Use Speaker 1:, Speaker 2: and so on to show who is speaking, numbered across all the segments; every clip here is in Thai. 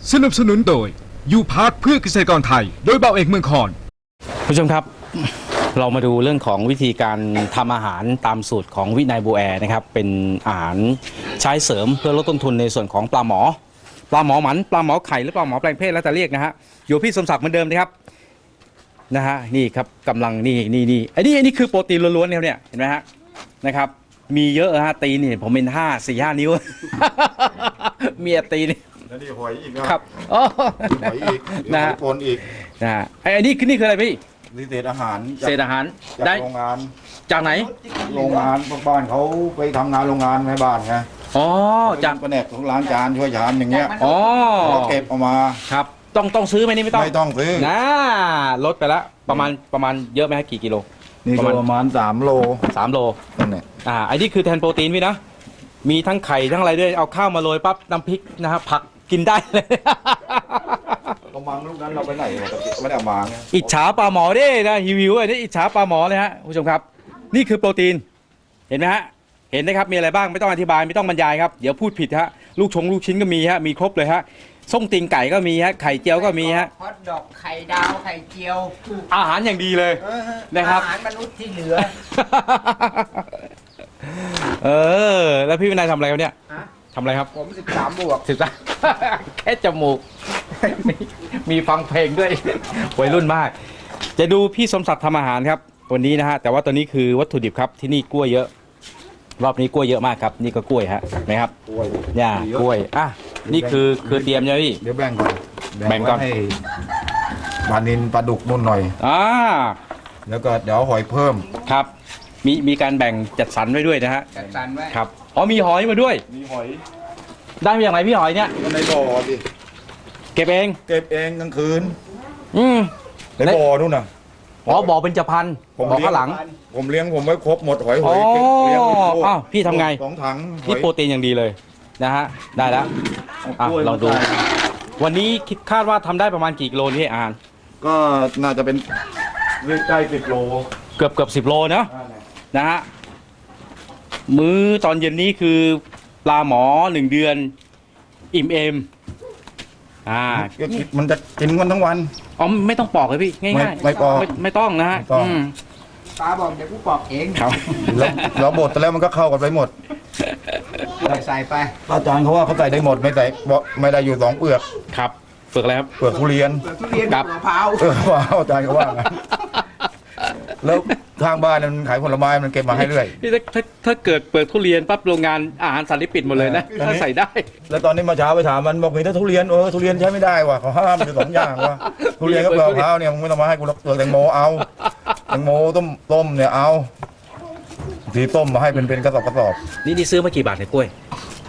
Speaker 1: สนับสนุนโดยยูพาร์ทเพื่อเกษตรกรไทยโดยเบาเอกเมืองคอน
Speaker 2: ผู้ชมครับเรามาดูเรื่องของวิธีการทำอาหารตามสูตรของวินัยบัวแอนะครับเป็นอาหารใช้เสริมเพื่อลดต้นทุนในส่วนของปลาหมอหมันปลาหมอไข่หรือปลาหมอแปลงเพศแล้วแต่เรียกนะฮะอยู่พี่สมศักดิ์เหมือนเดิมนะครับนะฮะนี่ครับกำลังนี่อันนี้คือโปรตีนล้วนๆเนี่ยเห็นไหมฮะนะครับมีเยอะฮะตีนนี่ผมเป็น4-5 นิ้ว มีตีน
Speaker 3: แล้วนี่หอยอีกนะครับ
Speaker 2: อ๋อ
Speaker 3: หอยอีกนะปนอีก
Speaker 2: นะอันนี้คืออะไรพี่
Speaker 3: นี่เศษอาหาร
Speaker 2: ได้
Speaker 3: โรงงาน
Speaker 2: จากไหน
Speaker 3: โรงงานพวกบ้านเขาไปทำงานโรงงานในบ้านไง
Speaker 2: อ๋อจาก
Speaker 3: แผนกของล้างจานช่วยชามอย่างเงี้ย
Speaker 2: อ๋อ
Speaker 3: เก็บออกมา
Speaker 2: ครับต้องซื้อไหมนี่ไม่
Speaker 3: ต้องซื้อ
Speaker 2: นะลดไปแล้วประมาณเยอะไหมกี่กิโล
Speaker 3: นี่ประมาณ3 โล
Speaker 2: นั่นแหละอันนี้คือแทนโปรตีนพี่นะมีทั้งไข่ทั้งอะไรด้วยเอาข้าวมาโรยปั๊บน้ำพริกนะครับผักกินได้เลย
Speaker 3: กระมังลูกนั้นเราไปไหนไม่ได้เอามา
Speaker 2: อิจฉาปลาหมอดินะหิวๆนี่อิจฉาปลาหมอเลยฮะผู้ชมครับนี่คือโปรตีนเห็นไหมฮะเห็นนะครับมีอะไรบ้างไม่ต้องอธิบายไม่ต้องบรรยายครับเดี๋ยวพูดผิดฮะลูกชิ้นก็มีฮะมีครบเลยฮะส้มตีนไก่ก็มีฮะไข่เจียวก็มีฮะ
Speaker 4: ฮอทดอกไข่ดาวไข่เจียว
Speaker 2: อาหารอย่างดีเลยนะครับ
Speaker 4: อาหารมนุษย์ที่เหลือ
Speaker 2: แล้วพี่วินัยทำอะไรเนี่ยทำอะไรครับ
Speaker 4: ผม13 บวก
Speaker 2: แค่จมูกมีฟังเพลงด้วยวัยรุ่นมากจะดูพี่สมศักดิ์ทำอาหารครับวันนี้นะฮะแต่ว่าตอนนี้คือวัตถุดิบครับที่นี่กล้วยเยอะรอบนี้กล้วยเยอะมากครับนี่ก็กล้วยฮะไหมครับเนี่ยกล้วยนี่คือเตรียมใช่ไหมพี่
Speaker 3: เดี๋ยวแบ่งก่อนให้ปลานิลปลาดุกนุ่นหน่อยแล้วก็เดี๋ยวหอยเพิ่ม
Speaker 2: ครับมีการแบ่งจัดสรรไว้ด้วยนะฮะ
Speaker 4: จัดสรรไว้
Speaker 2: ครับมีหอยมาด้วย
Speaker 3: มีหอย
Speaker 2: ได้มาอย่างไรพี่หอยเนี่ย
Speaker 3: ในบ่อดิ
Speaker 2: เก็บเอง
Speaker 3: กลางคืนในบ่อนู่นน่ะ
Speaker 2: บ่อเป็นจพันบ่อข้างหลัง
Speaker 3: ผมเลี้ยงผมไว้ครบหมดหอย
Speaker 2: เลี้ยงพี่ทำไง
Speaker 3: 2 ถัง
Speaker 2: นี่โปรตีนอย่างดีเลยนะฮะได้แล้วลองดูวันนี้คาดว่าทำได้ประมาณกี่กิโลนี่อ่าน
Speaker 3: ก็น่าจะเป็นใกล้10 โล
Speaker 2: เกือบ10 โลนะฮะมื้อตอนเย็นนี้คือปลาหมอ1 เดือนอิ่มเอม
Speaker 3: มันจะกินวันทั้งวัน
Speaker 2: ไม่ต้องปอกเลยพี่ง่ายๆ
Speaker 3: ไม่ปอก
Speaker 2: ไม่ต้องนะฮะ
Speaker 4: ตาบอกเดี๋ยวกูปอกเอง
Speaker 3: ครับแล้วบดแต่แล้วมันก็เข้ากันไปหมด
Speaker 4: ใส่ไป
Speaker 3: อาจารย์เขาว่าเขาใส่ได้หมดไม่ได้อยู่2 เปลือก
Speaker 2: ครับเปลือกอะไรครับ
Speaker 3: เปลือกทุเรียน
Speaker 4: กับมะพร้าว
Speaker 3: อาจารย์เขาว่าแล้วทางบ้านมันขายผลไม้มันเก็บมาให้เรื่อย
Speaker 2: พี่ถ้าเกิดเปิดทุเรียนปั๊บโรงงานอาหารสัตว์ปิดหมดเลยนะถ้าใส่ได้
Speaker 3: แล้วตอนนี้มาเช้าไปถามมันบอกมีแต่ทุเรียนทุเรียนใช้ไม่ได้ว่ะเขาห้ามอยู่2 อย่างว่ะทุเรียนกับมะพร้าวเนี่ยมึงไม่ต้องมาให้กูเปลือกแตงโมเอาแตงโมต้มเนี่ยเอาทีต้มมาให้เป็นกระสอบ
Speaker 2: นี่ซื้อมากี่บาทเนี่ยกล้วย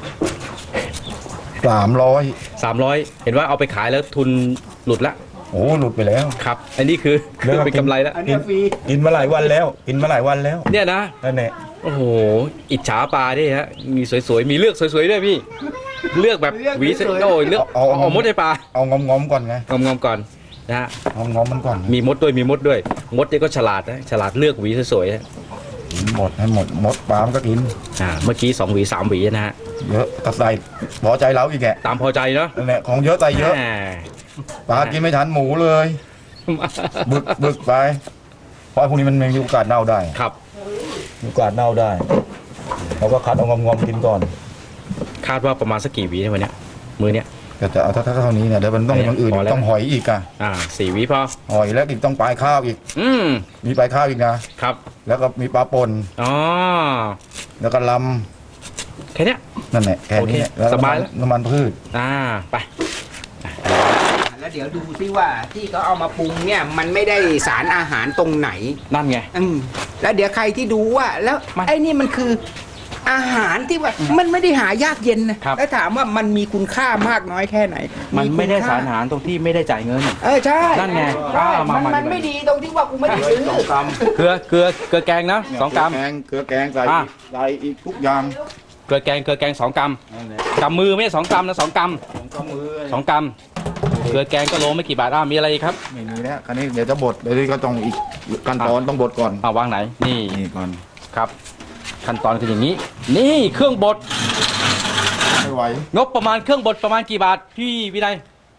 Speaker 3: 300
Speaker 2: เห็นว่าเอาไปขายแล้วทุนหลุดละ
Speaker 3: หลุดไปแล้ว
Speaker 2: ครับอันนี้คือเป็นกำไรแล้ว
Speaker 3: กินมาหลายวันแล้ว
Speaker 2: เนี่ยนะ
Speaker 3: นั่นแหละ
Speaker 2: โอ้โหอิจฉาปลาดิฮะมีสวยๆมีเลือกสวยๆด้วยพี่เลือกแบบหวีเลือกเอามดให้ปลา
Speaker 3: เอางอมก่อนไง
Speaker 2: งอมก่อนนะฮะ
Speaker 3: งอมมันก่อน
Speaker 2: มีมดด้วยมดเนี่ยก็ฉลาดนะฉลาดเลือกหวีสวย
Speaker 3: ๆหมดให้หมดปลามันก็กิน
Speaker 2: เมื่อกี้2 หวี 3 หวีนะฮะ
Speaker 3: เยอะก็ใส่พอใจเราอีกแก
Speaker 2: ตามพอใจเนาะ
Speaker 3: นั่นแหละของเยอะใส่เยอะปลากินไม่ทันหมูเลยบึกไปเพราะพวกนี้มันมีโอกาสเน่าได้
Speaker 2: ครับ
Speaker 3: มีโอกาสเน่าได้เราก็คัดเอางอมกินก่อน
Speaker 2: คาดว่าประมาณสักกี่วีในวันนี้มื้อเนี้ย
Speaker 3: ก็จะเอาเท่านี้เนี่ยเดี๋ยวมันต้องอย่างอื่นต้องหอยอีก
Speaker 2: 4 วีพอ
Speaker 3: หอยแล้วอีกต้องปลายข้าวอีกมีปลายข้าวอีก
Speaker 2: นะครับ
Speaker 3: แล้วก็มีปลาป่นแล้วก็ล
Speaker 2: ำแค่นี้
Speaker 3: นั่นแหละแค่นี้
Speaker 2: สบายแล้ว
Speaker 3: น้ำมันพืช
Speaker 2: ไป
Speaker 4: แล้วเดี๋ยวดูซิว่าที่เขาเอามาปรุงเนี่ยมันไม่ได้สารอาหารตรงไหน
Speaker 2: นั่นไง
Speaker 4: แล้วเดี๋ยวใครที่ดูว่าแล้วไอ้นี่มันคืออาหารที่ว่ามันไม่ได้หายากเย็นนะแล้วถามว่ามันมีคุณค่ามากน้อยแค่ไหน
Speaker 2: มันไม่ได้สารอาหารตรงที่ไม่ได้จ่ายเงิน
Speaker 4: ใช่
Speaker 2: นั่นไง
Speaker 4: มันไม่ดีตรงที่ว่ากูไม่ได้ซื้อ
Speaker 2: เกลือแกงนะ2 กรัม
Speaker 3: เกลือแกงใส่อีกทุกอย่าง
Speaker 2: เกลือแกง2 กรัมกำมือไม่ใช่2 กรัมนะ2 กรัม2 กรัมเกลือแกงก็โลไม่กี่บาทมีอะไรอีกครับ
Speaker 3: ไม่มีแล้วคราวนี้เดี๋ยวจะบดเดี๋ยวก็ต้องอีกขั้นตอนต้องบดก่อน
Speaker 2: วางไหนนี่
Speaker 3: ก่อน
Speaker 2: ครับขั้นตอนคืออย่างนี้นี่เครื่องบด
Speaker 3: ไม่ไหว
Speaker 2: งบประมาณเครื่องบดประมาณกี่บาทพี่วินัย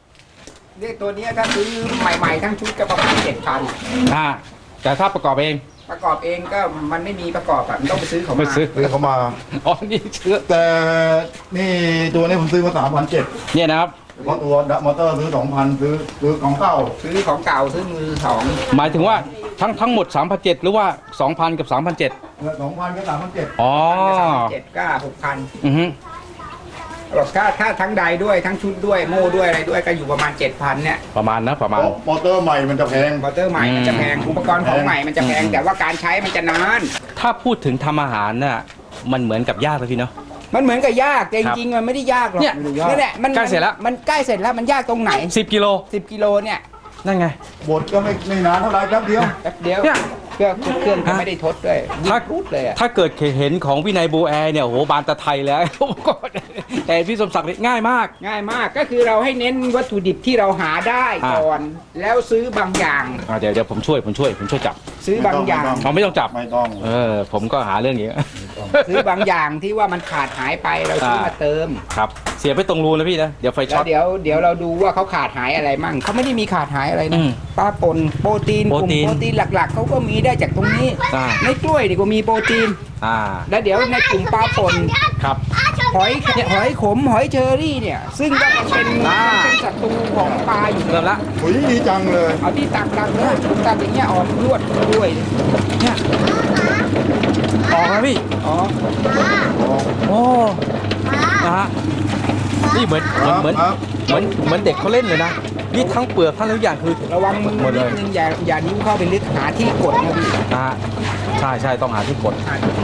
Speaker 4: เนี่ยตัวเนี้ยถ้าซื้อใหม่ๆทั้งชุดก็ประมาณ7,000
Speaker 2: แต่ถ้าประกอบเอง
Speaker 4: ประกอบเองก็มันไม่มีประกอบอ่ะมันต้องไปซื้อเขา
Speaker 2: ไป
Speaker 4: มา
Speaker 2: ซื้อ
Speaker 3: ซื้อเขามา
Speaker 2: อ๋อนี่เชื้อ
Speaker 3: แต่นี่ตัวนี้ผมซื้อมา3,700
Speaker 2: เนี่ยนะครับ
Speaker 3: เพราะตัวมอเตอร์ซื้อ2,000ซื้อของเก่า
Speaker 4: ซื้อของเก่าซื้อมือสอง
Speaker 2: หมายถึงว่าทั้งหมด 3,700 หรือว่า 2,000 กับ 3,700
Speaker 3: 2,000กับ3,700
Speaker 2: อ๋อ
Speaker 4: 7ก็6,000
Speaker 2: อือฮึ
Speaker 4: บอกถ้าทั้งใดด้วยทั้งชุดด้วยโม่ด้วยอะไรด้วยก็อยู่ประมาณ 7,000เนี่ย
Speaker 2: ประมาณประมาณ
Speaker 3: มอเตอร์ใหม่มันจะแพง
Speaker 4: มอเตอร์ใหม่มันจะแพงอุปกรณ์ของใหม่มันจะแพงแต่ว่าการใช้มันจะนาน
Speaker 2: ถ้าพูดถึงทำอาหารน่ะมันเหมือนกับยากเลยพี่เนาะ
Speaker 4: มันเหมือนกับยากแต่จริงๆมันไม่ได้ยากหรอก
Speaker 2: เนี่ย
Speaker 4: นั่นแหละมัน
Speaker 2: ใกล้เสร็จแล้ว
Speaker 4: มันใกล้เสร็จแล้วมันยากตรงไหน
Speaker 2: 10 กิโล
Speaker 4: 10 กิโลเนี่ย
Speaker 2: นั่นไง
Speaker 3: บดก็ไม่นานเท่าไหรแป๊บเดียว
Speaker 4: แป๊บเดียว
Speaker 2: เนี่ย
Speaker 4: เครื่องก็ไม่ได้ทดด้วย
Speaker 2: ถ้า
Speaker 4: รูดเลยอะ
Speaker 2: ถ้าเกิดเห็นของวินัยบูแอร์เนี่ยโอ้โหบานตะไทยแล้ว แต่พี่สมศักดิ์นี่ง่ายมาก
Speaker 4: ง่ายมากก็คือเราให้เน้นวัตถุดิบที่เราหาได้ก่อน แล้วซื้อบางอย่าง
Speaker 2: เดี๋ยวผมช่วยจับ
Speaker 4: ซื้อบางอย่าง
Speaker 2: เราไม่ต้องจับ
Speaker 3: ไม่ต้อง
Speaker 2: ผมก็หาเรื่องอย่างนี้
Speaker 4: ซื้อบางอย่างที่ว่ามันขาดหายไปเราซื้อมาเติม
Speaker 2: ครับเสียบไปตรงรูนะพี่นะเดี๋ยวไฟช็
Speaker 4: แล้
Speaker 2: อ
Speaker 4: ว
Speaker 2: ต
Speaker 4: เดี๋ยวเราดูว่าเขาขาดหายอะไรมั่งเขาไม่ได้มีขาดหายอะไร
Speaker 2: อื
Speaker 4: นะ
Speaker 2: ม
Speaker 4: ปลาป่นโปรตีนกลุ่ม
Speaker 2: โปรตีน
Speaker 4: โปรตีนหลักๆเขาก็มีได้จากตรงนี้
Speaker 2: อ่า
Speaker 4: ในกล้วยดีกว่ามีโปรตีน แล้วเดี๋ยวในกลุ่มปลาป่น
Speaker 2: ครับ
Speaker 4: หอยขมหอยเชอรี่เนี่ย ซึ่งก็มันเป็นศัตรูของปลาอยู่
Speaker 2: เริ่มละ
Speaker 3: โอ้ยดีจังเลย
Speaker 4: เอาที่ตักเลยตักอย่างเงี้ยออกลวดด้วย
Speaker 2: เนี่ยออกแล้วพี่
Speaker 4: อ๋อ
Speaker 2: โอ้นะฮะนี่เหมือน
Speaker 3: ครับ
Speaker 2: เด็กเขาเล่นเลยนะนี่ทั้งเปลือกทั้งทุกอย่างคือ
Speaker 4: ระวังมือ
Speaker 2: หมด
Speaker 4: นิ
Speaker 2: เล
Speaker 4: ด
Speaker 2: ย
Speaker 4: นึงอย่านิ้วเข้าไปลึกหาที่กดนะพี่
Speaker 2: นะฮะใช่ต้องหาที่กด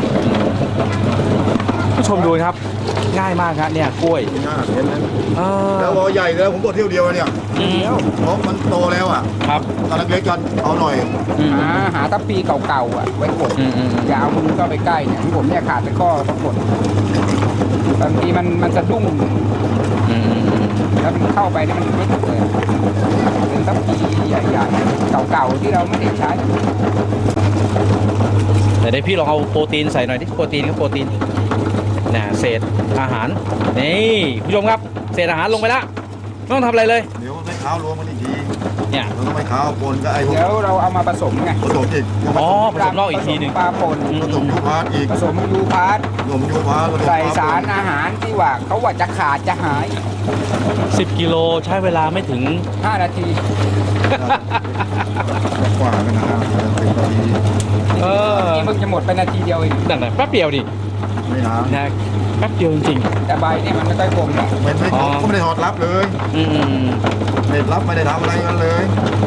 Speaker 2: ผู้ชมดูนะครับง่ายมากครับเนี่ยกล้วย
Speaker 3: น่าเห็นไหม
Speaker 2: เออ
Speaker 3: แล้วพอใหญ่แล้วผมบดเที่ยวเดียวเนี่ย
Speaker 2: อืม
Speaker 3: เพราะมันโตแล้วอ่ะ
Speaker 2: ครับ
Speaker 3: ตอนเล็กๆกันเอาหน่อย
Speaker 2: อืม
Speaker 4: หาทัพปีเก่าๆอ่ะไว้กด
Speaker 2: อืม
Speaker 4: อย่าเอามือเข้าไปใกล้เนี่ยที่ผมเนี่ยขาดไปข้อต้องกดบางทีมันสะดุ้ง
Speaker 2: อืม
Speaker 4: แล้วมันเข้าไปเนี่ยมันไม่ถูกเลยเป็นทัพปีใหญ่ๆเก่าๆที่เราไม่ได้ใช้
Speaker 2: แต่เดี๋ยวพี่ลองเอาโปรตีนใส่หน่อยดิโปรตีนครับโปรตีนน่ะเศษอาหารนี่ผู้ชมครับเศษอาหารลงไปแล้วไม่ต้องทำอะไรเลย
Speaker 3: เดี๋ยวไม่เท้ารวมมันอีกที
Speaker 2: เนี่ย
Speaker 3: แล้วก็ไม่เท้าปนก็ไอ้พวก
Speaker 4: เดี๋ยวเราเอามาผสมไง
Speaker 3: ผสมอีก
Speaker 2: อ๋อผสมนอกอีกทีหนึ่ง
Speaker 4: ปลาป่น
Speaker 3: ผสมยูพาร์ตอีก
Speaker 4: ผสมยูพาร์ต
Speaker 3: ผสมยูพาร์ตผสม
Speaker 4: ใส่
Speaker 3: ปล
Speaker 4: สารอาหารที่ว่าเขาว่าจะขาดจะหาย
Speaker 2: 10 กิโลใช้เวลาไม่ถึง
Speaker 4: 5 นาที
Speaker 3: กว่ากันนะ10 นาที
Speaker 2: เออ
Speaker 4: นี่มึงจะหมดไปนาทีเดียวเอง
Speaker 2: นั่นน่ะแป๊บเดียวดิ
Speaker 3: ไม่นาน
Speaker 2: นะแป๊บเดียวจริง
Speaker 4: แต่ใบนี่มันไม่ค่อยคมหรอก
Speaker 3: ไม่
Speaker 2: อ๋อ
Speaker 3: ก็ไม่ได้ถอดรับเลย
Speaker 2: ๆอืม
Speaker 3: เด็ดรับไม่ได้ทำอะไรกันเลย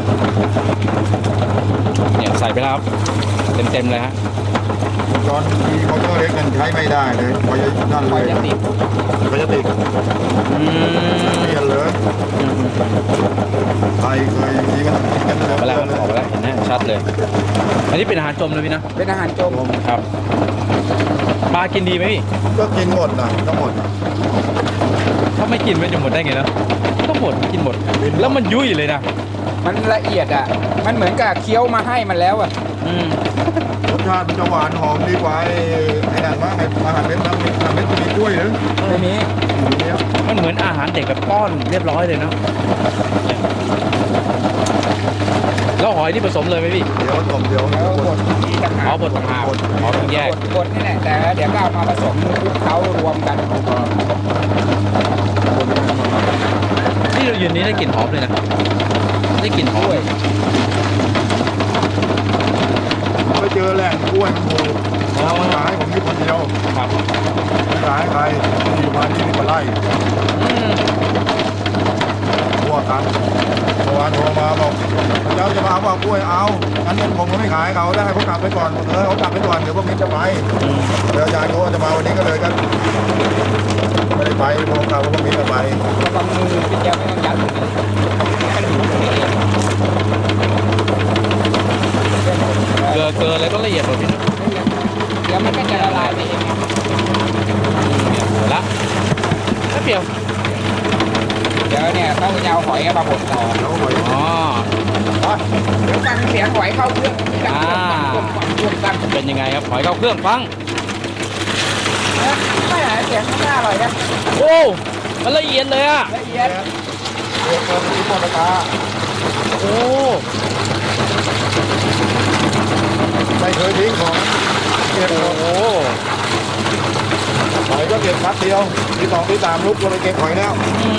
Speaker 2: เนี่ยใส่ไปแล้วครับเต็มเลยฮะ
Speaker 3: ตอนมีมอเตอร์เล็กกันใช้ไม่ได้เลยพอจะนั่น
Speaker 4: ค
Speaker 3: เล
Speaker 4: อย
Speaker 3: ย
Speaker 4: จะติด
Speaker 3: พอจะติด
Speaker 2: อืม
Speaker 3: เปลี่ยนเลยใครเคยมีกันกินกัน
Speaker 2: ออกไปแล้วครับออกไปแล้วเห็นไหมชัดเลย อันนี้เป็นอาหารจมเลยพี่นะ
Speaker 4: เป็นอาหารจม
Speaker 2: ครับปลากินดีไหมพี่
Speaker 3: ก็กินหมดนะทั้งหมด
Speaker 2: ถ้าไม่กินมันจะหมดได้ไงเนอะก็หมดกินหมด แล้วมันยุ่ยเลยนะ
Speaker 4: มันละเอียดอ่ะ มันเหมือนกับเคี้ยวมาให้มันแล้วอ่ะ
Speaker 2: อืม
Speaker 3: รสชาติมันจะหวานหอมดีกว่าไอ้นั่นว่าไอ้อาหารเม็ดน้ำเม็ดมีกล้วยหรือ
Speaker 4: ไม่มี
Speaker 3: เนี่ย
Speaker 2: มันเหมือนอาหารเด็กแบบป้อนเรียบร้อยเลยเนาะแล้วหอยที่ผสมเลยไหมพี่
Speaker 3: เดี๋ยวผมเดี๋ยว
Speaker 4: แล้วบดที่ต่างหา
Speaker 2: อ๋อก บดต่างหากอ๋อต้องแยก
Speaker 4: บดนี่แหละแต่เดี๋ยวก็เอามาผสมคลุกเคล้ารวมกัน
Speaker 2: ที่เรายืนนี้ได้กลิ่นหอมเลยนะได้กลิ่นหอม
Speaker 4: ด้วย
Speaker 3: ไปเจอแหล่งกล้วยมันถูกเอามาขายผมนี่คนเดียว
Speaker 2: ครับ
Speaker 3: ไม่ขายใครอยู่มาที่นี่มาไล่
Speaker 2: อืม
Speaker 3: ทั่วกันเมื่อวานโทรมาบอกเจ้าจะมาเอาว่ากล้วยเอางั้นผมก็ไม่ขายเขาได้เขากลับไปก่อนเขากลับไปก่อนเดี๋ยวพวกนี้จะไปเดี๋ยวยายเขาจะมาวันนี้ก็เลยกันไม่ได้ไปพวกเราพวกนี้จะไป
Speaker 4: ระวังมือพี่แก้วไม่ต้องยัดมือมันอยู่ตรงนี้เอง
Speaker 2: เกลืออะไรก็ละเอียดหมดพี่นะ
Speaker 4: เดี๋ยวมันก็จะละลายไปเอง
Speaker 2: เนี่ยหมดละแป๊บเดียว
Speaker 4: เดี๋ยวเนี่ยต้องจะเอาหอยมาบดต่อ
Speaker 3: แล้วหอย
Speaker 2: อ๋อ
Speaker 4: เดี๋ยวฟังเสียงหอยเข้าเครื่องดัง
Speaker 2: อ่า
Speaker 4: ดัง
Speaker 2: เป็นยังไงครับหอยเข้าเครื่องฟัง
Speaker 4: ไม่หาเสียงข้างหน้าอร่อยนะ
Speaker 2: โอ้มันละเอียดเลยอะ
Speaker 4: ละเอียด
Speaker 3: เด็กคนที่หมดราคา
Speaker 2: โอ้
Speaker 3: ไม่เคยทิ้งของเก็บหมด
Speaker 2: โอ้
Speaker 3: หอยก็เก็บพัดเดียวที่สองที่สามลุกก็เลยเก็บหอยแล้ว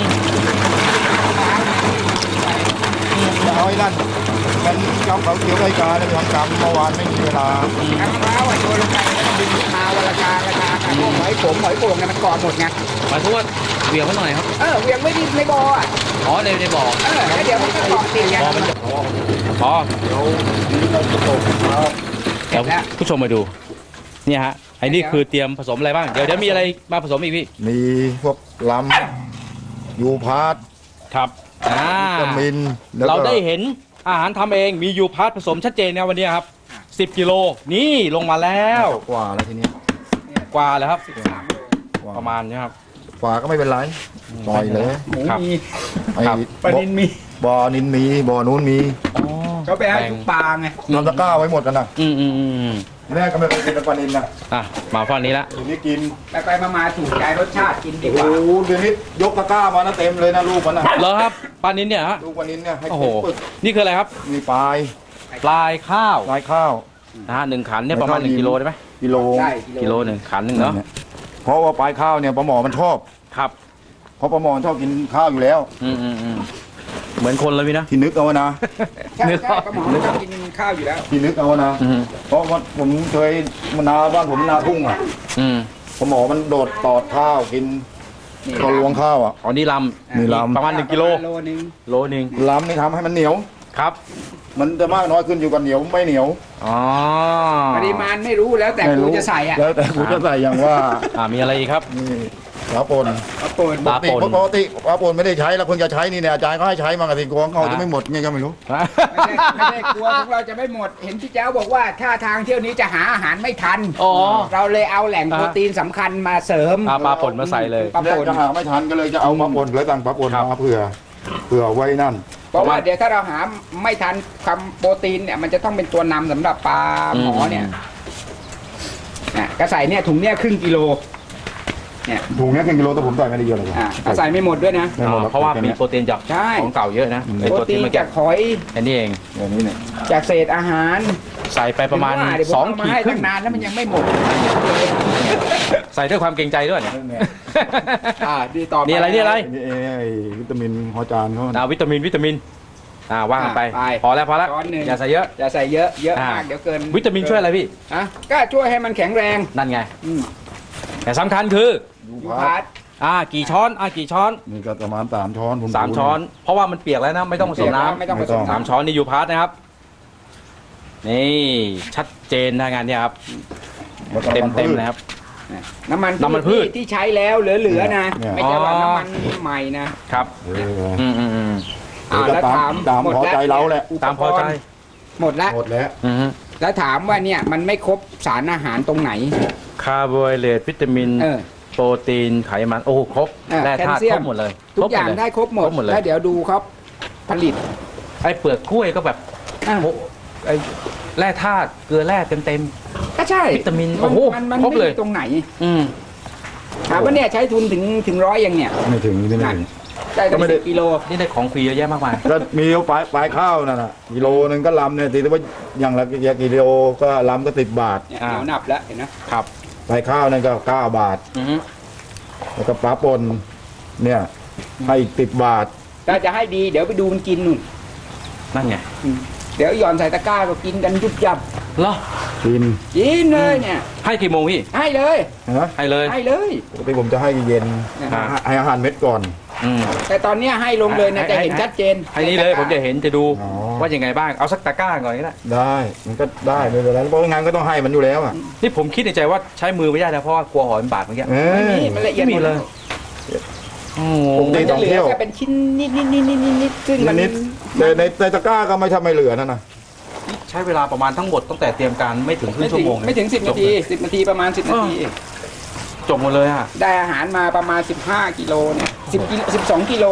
Speaker 3: จะเอาไอ้นั่นมันจำเขาเขียวไก่กาเนี่ยทำกรรมเมื่อวานไม่มีเวลา
Speaker 4: น้ำมะพร้าวโยนลงไปแล้วก็ดึงมาวันละกาพวกหอยโป่งเนี่ยมันเกาะหมดไง
Speaker 2: หมายถึงว่าเวียงไว้หน่อยครับ
Speaker 4: เวียงไม่ดีในบ่ออ่ะ
Speaker 2: อ๋อในบ่อ
Speaker 4: แล้วเดี๋ยวมันก็เกาะติดไง
Speaker 2: บ่อมันจะอ๋อ
Speaker 3: เดี๋ยวนี้เราจะตกครับ
Speaker 2: เดี๋ยวผู้ชมมาดู เนี่ยฮะ ไอ้นี่คือเตรียมผสมอะไรบ้าง เดี๋ยวมีอะไรมาผสมอีกพี่
Speaker 3: มีพวกลำยูพาร์ต
Speaker 2: ครับ
Speaker 3: วิตามินแล้วก็
Speaker 2: เราได้เห็นอาหารทำเอง มียูพาร์ทผสมชัดเจนนะวันนี้ครับ 10 กิโล นี่ลงมาแล้ว
Speaker 3: กว่าแล้วทีนี้
Speaker 2: กว่าแล้วครับ
Speaker 3: กว่า
Speaker 2: ประมาณนี้ครับ
Speaker 3: กว่าก็ไม่เป็นไรปล่อยเลย
Speaker 4: หมู
Speaker 2: ครับ
Speaker 4: มี
Speaker 3: ไอ้
Speaker 2: ครับ
Speaker 4: ปลานินมี
Speaker 3: บ่อนินมีบ่อนู้นมี
Speaker 4: เขาไปให้ทุกปลาไง
Speaker 3: นำตะกร้าไว้หมดกันนะ
Speaker 2: อืม
Speaker 3: แม่ก็ไม่เคยกินปลานินนะ
Speaker 2: อ่ะ มาฝั่งนี้ละ
Speaker 3: ทีนี้กิน
Speaker 4: ไปมาถูกใจรสชาติกินดีก
Speaker 3: โอ้
Speaker 4: ว่า
Speaker 3: โหเดี๋ยวนี้ยกตะกร้ามานะเต็มเลยนะลูกมันนะ
Speaker 2: เหรอครับปลานินเนี่ยฮะ
Speaker 3: ลูกปลานินเนี่ยให้
Speaker 2: โอ้โห
Speaker 3: เต็มปึก
Speaker 2: นี่คืออะไรครับ
Speaker 3: มีปลาย
Speaker 2: ปลายข้าว
Speaker 3: ปลายข้าว
Speaker 2: นะฮะ1 ขันเนี่ยประมาณ 1 กิโลได้ไหม
Speaker 3: กิโล
Speaker 4: ได้
Speaker 2: กิโลหนึ่งขันหนึ่งเนาะ
Speaker 3: เพราะว่าปลายข้าวเนี่ยปลาหมอมันชอบ
Speaker 2: ครับ
Speaker 3: เพราะปลาหมอมันชอบกินข้าวอยู่แล้ว
Speaker 2: อืมเหมือนคนเลยพี่นะ
Speaker 3: ที่นึกเอานะ
Speaker 4: ใช่กระหม่อมชอบกินข้าวอยู่แล้ว
Speaker 3: ที่นึกเอานะ
Speaker 2: อืม
Speaker 3: เพราะว่าผมเคยนาบ้านผมนาทุ่งอ่ะ
Speaker 2: อืม
Speaker 3: ปลาหมอมันโดดตอดข้าวกินตอนลวงข้าวอ่ะ
Speaker 2: อ๋อนี่ล
Speaker 3: นี่
Speaker 2: ำ
Speaker 3: ลำ
Speaker 2: ประมาณ1 กิโล
Speaker 4: โลนึง
Speaker 2: โลหนึ่ง
Speaker 3: ล้ำนี่ทำให้มันเหนียว
Speaker 2: ครับ
Speaker 3: มันจะมากน้อยขึ้นอยู่กับเหนียวไม่เหนียว
Speaker 2: อ๋อ
Speaker 4: ปริมาณไม่รู้แล้วแต่
Speaker 3: ไม่
Speaker 4: กู
Speaker 3: รู้
Speaker 4: จะใส่อ่ะ
Speaker 3: แล้วแต่กูจะใส่อย่างว่า
Speaker 2: มีอะไรอีกครับ
Speaker 3: นี่ปลาปน
Speaker 4: เอาเปิด
Speaker 2: ปลาป่น
Speaker 3: ปกติปลาปนไม่ได้ใช้แล้วคนจะใช้นี่เนี่ยอาจารย์ก็ให้ใช้มากระสิกวงเขาจะไม่หมดไงก็ไม่รู้
Speaker 4: ไม่ได้กลัวของเราจะไม่หมด เห็นพี่เจ้าบอกว่าถ้าทางเที่ยวนี้จะหาอาหารไม่ทัน
Speaker 2: อ๋อ
Speaker 4: เราเลยเอาแหล่งโปรตีนสำคัญมาเสริม
Speaker 2: ปลาป่นมาใส่เลย
Speaker 4: ปลา
Speaker 3: แล้ว
Speaker 4: ป่น
Speaker 3: จะหาไม่ทันก็เลยจะเอามาปนเลยสั่งปลาปน
Speaker 2: ครับ
Speaker 3: มาเผื่อไว้นั่น
Speaker 4: เพราะว่าเดี๋ยวถ้าเราหาไม่ทันคำโปรตีนเนี่ยมันจะต้องเป็นตัวนำสำหรับปลาหมอเนี่ยก็ใส่เนี่ยถุงเนี่ยครึ่งกิโลเนี่ย
Speaker 3: ถุงนี้1 กิโลแต่ผมใส่ไม่ได้เยอะเลย
Speaker 4: ก็ใส่ไม่หมดด้วยนะ
Speaker 3: ไม่หมดหรอก
Speaker 2: เพราะว่ามีโปรตีนจาก
Speaker 4: ใช่
Speaker 2: ของเก่าเยอะนะไอ
Speaker 4: โปร
Speaker 2: ตัว
Speaker 4: ตี
Speaker 2: ที่
Speaker 4: น
Speaker 2: เมื่อกี้
Speaker 4: จากหอย
Speaker 2: อันนี้เอง
Speaker 3: อย่างนี้เนี่ย
Speaker 4: จากเศษอาหาร
Speaker 2: ใส่ไปประมาณ
Speaker 4: เดี๋ยวผมเอา
Speaker 2: 2
Speaker 4: มา
Speaker 2: ขีด
Speaker 4: ให้
Speaker 2: ครึ่
Speaker 4: ตั้
Speaker 2: ง
Speaker 4: งนานแล้วมันยังไม่หมด
Speaker 2: ใส่ด้วยความเกรงใจด้วยเนี่ย
Speaker 4: ดีต่อไป
Speaker 2: นี่อะไรนี่อะไร
Speaker 3: นี่ไอ้วิตามินฮอจานเขา
Speaker 2: วิตามินว่ากันไป พอแล้ว
Speaker 4: ช้อนหนึ่ง
Speaker 2: อย่าใส่เยอะ
Speaker 4: อย่าใส่เยอะมากเดี๋ยวเกิน
Speaker 2: วิตามินช่วยอะไรพี่
Speaker 4: ก็ช่วยให้มันแข็งแรง
Speaker 2: นั่นไง
Speaker 4: อืม
Speaker 2: แต่สำคัญคือ
Speaker 3: ยู
Speaker 4: ยู
Speaker 3: พา
Speaker 4: พา
Speaker 3: ร์
Speaker 4: ร์
Speaker 3: ต
Speaker 4: ต
Speaker 2: กี่ช้อนกี่ช้อน
Speaker 3: นี่ก็ประมาณ3 ช้อนผม
Speaker 2: 3 ช้อน เพราะว่ามันเปียกแล้วนะ ไม่ต้องผสมน้
Speaker 4: ไม่ต้องผสม
Speaker 2: ำ3 ช้อนนี่ยูพาร์ทนะครับ นี่ชัดเจนนะงานเนี้ยครับ
Speaker 3: แล้วก็
Speaker 2: เต็ม
Speaker 3: น้ำนพืช
Speaker 2: นะครับ
Speaker 4: น้ำมัน
Speaker 2: น้ำมันพืช
Speaker 4: ที่ใช้แล้วเหลือๆนะ
Speaker 3: เนี่ย
Speaker 4: ไม่ใช่ว่า
Speaker 2: อ๋อ
Speaker 4: น้ำมันใหม่นะครับ
Speaker 2: อืม
Speaker 4: แล้วถาม
Speaker 3: ตาม
Speaker 4: หมด
Speaker 3: พอ
Speaker 4: แล้ว
Speaker 3: ใจเราแหละ
Speaker 2: ตามพอใจ
Speaker 4: หมดแล้ว
Speaker 3: หมดแล้ว
Speaker 4: แล้วถามว่าเนี่ยมันไม่ครบสารอาหารตรงไหน
Speaker 2: คาร์โบไฮเดรตวิตามิน โปรตีนไขมัน โอ้ครบ
Speaker 4: เออ
Speaker 2: แร่ธาตุ
Speaker 4: แคลเซีย
Speaker 2: ค
Speaker 4: ม
Speaker 2: รบหมดเลย
Speaker 4: ทุกอย่างได้ครบหมด
Speaker 2: ครบหมดเลย
Speaker 4: แล้วเดี๋ยวดูครับผลิต
Speaker 2: ไอ้เปลือกกล้วยก็แบบ
Speaker 4: อ่ะ
Speaker 2: โอ้ไอ้แร่ธาตุเกลือแร่เต็ม
Speaker 4: ก็ใช่
Speaker 2: วิตามิน
Speaker 4: มัน
Speaker 2: โอ้โห
Speaker 4: มัน
Speaker 2: ครบ
Speaker 4: ไม่
Speaker 2: เลย
Speaker 4: มีตรงไหน
Speaker 2: ๆอืม
Speaker 4: ถามว่าเนี่ยใช้ทุนถึงร้อยยังเนี่ย
Speaker 3: ไม่ถึงที่ไม่ถึง
Speaker 4: ได้
Speaker 3: ก็
Speaker 4: ตั้ง
Speaker 3: ไม่ได้
Speaker 4: 10 กิโล
Speaker 2: นี่ได้ของฟรีเยอะแยะมากมาย
Speaker 3: ก็มีปลายข้าวนั่นน่ะกิโลนึงก็ลำเนี่ยตีว่าอย่างละกิโลก็ลำก็10 บาท
Speaker 4: เนี่ยเดี๋ยวนับแล้วเห็นนะครับ
Speaker 3: ปลายข้าวนั่นก็9 บาท
Speaker 2: อือฮึ
Speaker 3: แล้วก็ปลาปนเนี่ยให้อีก10 บาท
Speaker 4: ถ้าจะให้ดีเดี๋ยวไปดูมันกินนู่น
Speaker 2: นั่นไง
Speaker 4: เดี๋ยวหย่อนใส่ตะกร้าก็กินกันยุบยับ
Speaker 2: เหรอ
Speaker 3: กิน
Speaker 4: กินเลยเนี่ย
Speaker 2: ให้กี่โมงพี่
Speaker 4: ให้เลย
Speaker 3: นะ
Speaker 2: ให้เลย
Speaker 4: ให้เลย
Speaker 3: ปกติผมจะให้เย็น
Speaker 2: อ่า
Speaker 3: ให้อาหารเม็ดก่อน
Speaker 2: อืม
Speaker 4: แต่ตอนเนี้ยให้ลงเลยนะจะเห็นชัดเจน
Speaker 2: ให้นี่เลยผมจะเห็นจะดู
Speaker 3: อ๋อ
Speaker 2: ว่ายังไงบ้าง เอาสักตะกร้าก่อนก็ได้
Speaker 3: ได้มันก็ได้ไม่เป็นไรเพราะงานก็ต้องให้มันอยู่แล้วอ่ะ
Speaker 2: นี่ผมคิดในใจว่าใช้มือไม่ได้นะเพราะว่ากลัวหอยมันบาดเมื่อกี้
Speaker 3: เอ
Speaker 4: ไม่
Speaker 3: อ
Speaker 4: มีมันละเอียด
Speaker 2: ไม่มี
Speaker 4: หมด
Speaker 2: เลย โอ้โห
Speaker 3: ผม
Speaker 4: มันจะเหลื
Speaker 3: ท่องเที่
Speaker 4: อ
Speaker 3: ยว
Speaker 4: แค่เป็นชิ้นนิดซึ่งมัน
Speaker 3: นิดๆแต่ในตะกร้าก็ไม่ทำไม่เหลือนั่นนะ
Speaker 2: ใช้เวลาประมาณทั้งหมดตั้งแต่เตรียมการไม่ถึงครึ่
Speaker 4: ไม่
Speaker 2: งชั่
Speaker 4: ถึ
Speaker 2: ว
Speaker 4: ง
Speaker 2: โมง
Speaker 4: ไม่ถึง10 นาที10 นาทีประมาณ10 นาที
Speaker 2: จบหมดเลยอ่ะ
Speaker 4: ได้อาหารมาประมาณ15 กิโลเนี่ย10 กิโล12 กิโล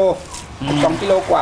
Speaker 4: 2 กิโลกว่า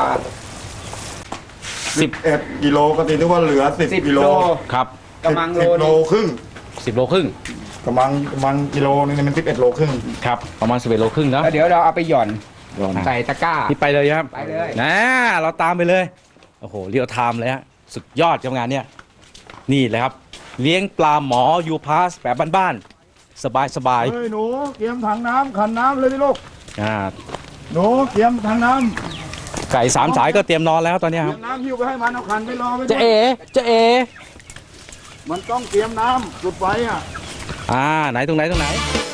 Speaker 3: 11 กิโลก็ตีนึกว่าเหลือ10 กิโล
Speaker 2: ครับ
Speaker 4: กำลังโล
Speaker 3: 10 โล
Speaker 4: นึง
Speaker 3: ครึ่ง
Speaker 2: 10 โลครึ่ง
Speaker 3: กำลังกิโลนึงเนี่ยมัน11 โลครึ่ง
Speaker 2: ครับประมาณ11 โลครึ่งนะ
Speaker 4: แล้วเดี๋ยวเราเอาไปหย่อนใส่ตะกร้า
Speaker 2: นี่ไปเลยครับ
Speaker 4: ไปเลย
Speaker 2: นะเราตามไปเลยโอ้โหเรียวไทม์เลยฮะสุดยอดกับงานเนี้ยนี่เลยครับเลี้ยงปลาหมอยูพาสแบบบ้านๆสบาย
Speaker 3: เฮ้ยหนูเตรียมถังน้ำขันน้ำเลยดิลูก
Speaker 2: ๆ
Speaker 3: หนูเตรียมถังน้
Speaker 2: ไก่สามสายก็เตรียมนอนแล้วตอนเนี้
Speaker 3: ำ
Speaker 2: ย
Speaker 3: เต
Speaker 2: ค
Speaker 3: รี
Speaker 2: รับ
Speaker 3: ยมน้ำหิ้วไปให้มันเอาขันไปรอไว้ด้วย
Speaker 2: จะเอ
Speaker 3: มันต้องเตรียมน้ำจุดไฟอ่ะ
Speaker 2: ไหนตรงไหน